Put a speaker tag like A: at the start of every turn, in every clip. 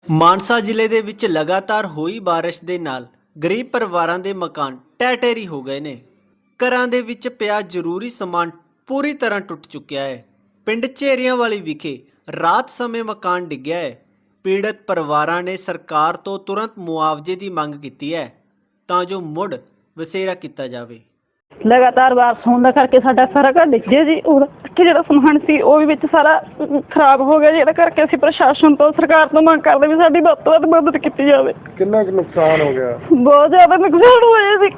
A: ਮਾਨਸਾ ਜ਼ਿਲ੍ਹੇ ਦੇ ਵਿੱਚ ਲਗਾਤਾਰ ਹੋਈ ਬਾਰਿਸ਼ ਦੇ ਨਾਲ ਗਰੀਬ ਪਰਿਵਾਰਾਂ ਦੇ ਮਕਾਨ ਢਹਿ ਢੇਰੀ ਹੋ ਗਏ ਨੇ। ਘਰਾਂ ਦੇ ਵਿੱਚ ਪਿਆ ਜ਼ਰੂਰੀ ਸਮਾਨ ਪੂਰੀ ਤਰ੍ਹਾਂ ਟੁੱਟ ਚੁੱਕਿਆ ਹੈ। ਪਿੰਡ ਝੇਰੀਆਂ ਵਾਲੀ ਵਿਖੇ ਰਾਤ ਸਮੇਂ ਮਕਾਨ ਡਿੱਗਿਆ ਹੈ। ਪੀੜਤ ਪਰਿਵਾਰਾਂ ਨੇ ਸਰਕਾਰ ਤੋਂ ਤੁਰੰਤ ਮੁਆਵਜ਼ੇ ਦੀ ਮੰਗ ਕੀਤੀ ਹੈ ਤਾਂ ਜੋ ਮੁੜ ਵਸੇਰਾ ਕੀਤਾ ਜਾਵੇ।
B: लगातार बारिश होने करके साडा सारा घर डिग गया जी और ਜਿਹੜਾ ਸਮਾਨ ਸੀ ਉਹ ਵੀ ਵਿੱਚ ਸਾਰਾ ਖਰਾਬ ਹੋ ਗਿਆ। ਜਿਹੜਾ ਕਰਕੇ ਅਸੀਂ ਪ੍ਰਸ਼ਾਸਨ ਤੋਂ ਸਰਕਾਰ ਤੋਂ ਮੰਗ ਕਰਦੇ ਵੀ ਸਾਡੀ ਵੱਧ ਤੋਂ ਵੱਧ ਮਦਦ ਕੀਤੀ ਜਾਵੇ।
C: ਕਿੰਨਾ ਕੁ ਨੁਕਸਾਨ ਹੋ ਗਿਆ?
B: ਬਹੁਤ ਜ਼ਿਆਦਾ ਨੁਕਸਾਨ ਹੋਇਆ ਸੀ।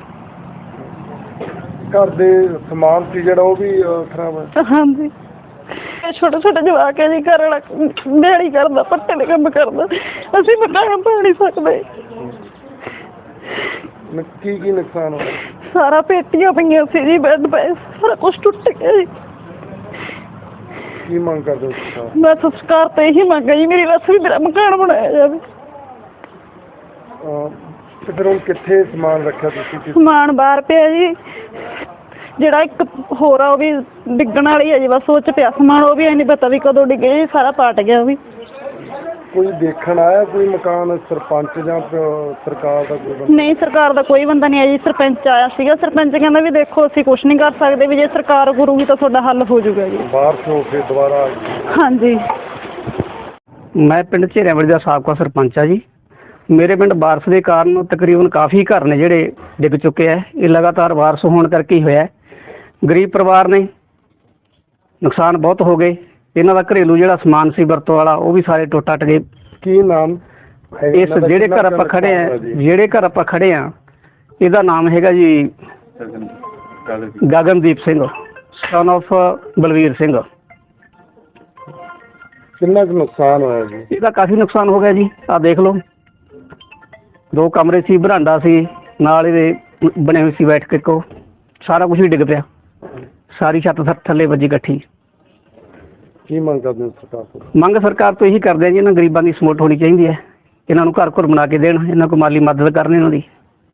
C: ਘਰ ਦੇ ਸਮਾਨ ਸੀ ਜਿਹੜਾ ਉਹ ਵੀ ਖਰਾਬ ਹੈ।
B: ਹਾਂਜੀ, ਛੋਟੇ ਛੋਟੇ ਜਵਾਕ ਹੈ ਜੀ, ਘਰ ਵਾਲਾ ਦਿਹਾੜੀ ਕਰਦਾ, ਪੱਟੇ ਦੇ ਕੰਮ ਕਰਦਾ, ਅਸੀਂ ਮਕਾਨ ਪਾ ਨਹੀਂ ਸਕਦੇ।
C: ਕੀ ਕੀ ਨੁਕਸਾਨ ਹੋਇਆ?
B: ਸਾਰਾ ਪੇਟੀਆਂ ਪਈਆਂ ਸੀ ਜੀ, ਬੈੱਡ ਪਏ, ਸਾਰਾ ਕੁਝ ਟੁੱਟ ਗਿਆ ਜੀ।
C: ਕੀ ਮੰਗ ਕਰਦੇ ਹੋ ਤੁਸੀਂ?
B: ਮੈਂ ਸਰਕਾਰ ਤੋਂ ਇਹੀ ਮੰਗ ਹੈ ਜੀ, ਮੇਰੀ ਬਸ ਵੀ ਮੇਰਾ ਮਕਾਨ ਬਣਾਇਆ ਜਾਵੇ।
C: ਤੇ ਫਿਰ ਹੁਣ ਕਿੱਥੇ ਸਮਾਨ ਰੱਖਿਆ ਤੁਸੀਂ?
B: ਸਮਾਨ ਬਾਹਰ ਪਿਆ ਜੀ, ਜਿਹੜਾ ਇੱਕ ਹੋਰ ਆ ਉਹ ਵੀ ਡਿੱਗਣ ਵਾਲੀ ਹੈ ਜੀ, ਬਸ ਉਹ ਚ ਪਿਆ ਸਮਾਨ, ਉਹ ਵੀ ਨਹੀਂ ਪਤਾ ਵੀ ਕਦੋਂ ਡਿੱਗੇ ਜੀ, ਸਾਰਾ ਪਾਟ ਗਿਆ ਉਹ ਵੀ।
C: ਕੋਈ ਦੇਖਣ ਆਇਆ ਕੋਈ ਮਕਾਨ? ਸਰਪੰਚ ਜਾਂ ਸਰਕਾਰ ਦਾ ਕੋਈ ਬੰਦਾ?
B: ਨਹੀਂ, ਸਰਕਾਰ ਦਾ ਕੋਈ ਬੰਦਾ ਨਹੀਂ ਆਇਆ ਜੀ। ਸਰਪੰਚ ਆਇਆ ਸੀਗਾ, ਸਰਪੰਚ ਕਹਿੰਦਾ ਵੀ ਦੇਖੋ ਅਸੀਂ ਕੁਝ ਨਹੀਂ ਕਰ ਸਕਦੇ, ਵੀ ਜੇ ਸਰਕਾਰ ਕਰੂਗੀ ਤਾਂ ਤੁਹਾਡਾ ਹੱਲ ਹੋ ਜਾਊਗਾ ਜੀ।
C: ਬਾਰਿਸ਼ ਹੋ ਕੇ ਦੁਬਾਰਾ?
B: ਹਾਂਜੀ,
D: ਮੈਂ ਪਿੰਡ ਝੇਰੀਆਂ ਵਾਲੀ ਦਾ ਸਾਬਕਾ ਸਰਪੰਚ ਆ ਜੀ। ਮੇਰੇ ਪਿੰਡ ਬਾਰਿਸ਼ ਦੇ ਕਾਰਨ ਤਕਰੀਬਨ ਕਾਫੀ ਘਰ ਨੇ ਜਿਹੜੇ ਡਿੱਗ ਚੁੱਕੇ ਆ। ਇਹ ਲਗਾਤਾਰ ਬਾਰਿਸ਼ ਹੋਣ ਕਰਕੇ ਹੀ ਹੋਇਆ। ਗਰੀਬ ਪਰਿਵਾਰ ਨੇ, ਨੁਕਸਾਨ ਬਹੁਤ ਹੋ ਗਏ। ਇਹਨਾਂ ਦਾ ਘਰੇਲੂ ਜਿਹੜਾ ਸਮਾਨ ਸੀ ਵਰਤੋਂ ਵਾਲਾ ਉਹ ਵੀ ਸਾਰੇ ਟੁੱਟ ਗਏ।
C: ਕੀ ਨਾਮ
D: ਇਸ ਜਿਹੜੇ ਘਰ ਆਪਾਂ ਖੜੇ ਆ ਇਹਦਾ ਨਾਮ ਹੈਗਾ ਜੀ ਗਗਨਦੀਪ ਸਿੰਘ, ਸਨ ਆਫ ਬਲਵੀਰ ਸਿੰਘ।
C: ਕਿੰਨਾ ਕੁ ਨੁਕਸਾਨ ਹੋਇਆ ਜੀ?
D: ਇਹਦਾ ਕਾਫੀ ਨੁਕਸਾਨ ਹੋ ਗਿਆ ਜੀ। ਆਹ ਦੇਖ ਲਓ, 2 ਕਮਰੇ ਸੀ, ਬਰਾਂਡਾ ਸੀ, ਨਾਲ ਇਹਦੇ ਬਣੇ ਹੋਏ ਸੀ ਬੈਠ ਕੇ ਕੋ, ਸਾਰਾ ਕੁਝ ਹੀ ਡਿੱਗ ਪਿਆ। ਸਾਰੀ ਛੱਤ ਥੱਲੇ ਵੱਜੀ ਇਕੱਠੀ।
C: ਕੀ ਮੰਗ ਕਰਦੇ ਹੋ ਸਰਕਾਰ ਤੋਂ?
D: ਮੰਗ ਸਰਕਾਰ ਤੋਂ ਇਹੀ ਕਰਦੇ ਆ ਜੀ, ਇਹਨਾਂ ਗਰੀਬਾਂ ਦੀ ਸਪੋਰਟ ਹੋਣੀ ਚਾਹੀਦੀ ਹੈ। ਇਹਨਾਂ ਨੂੰ ਘਰ ਬਣਾ ਕੇ ਦੇਣ, ਇਹਨਾਂ ਕੋਲ ਮਾਲੀ ਮਦਦ ਕਰਨ ਇਹਨਾਂ ਦੀ।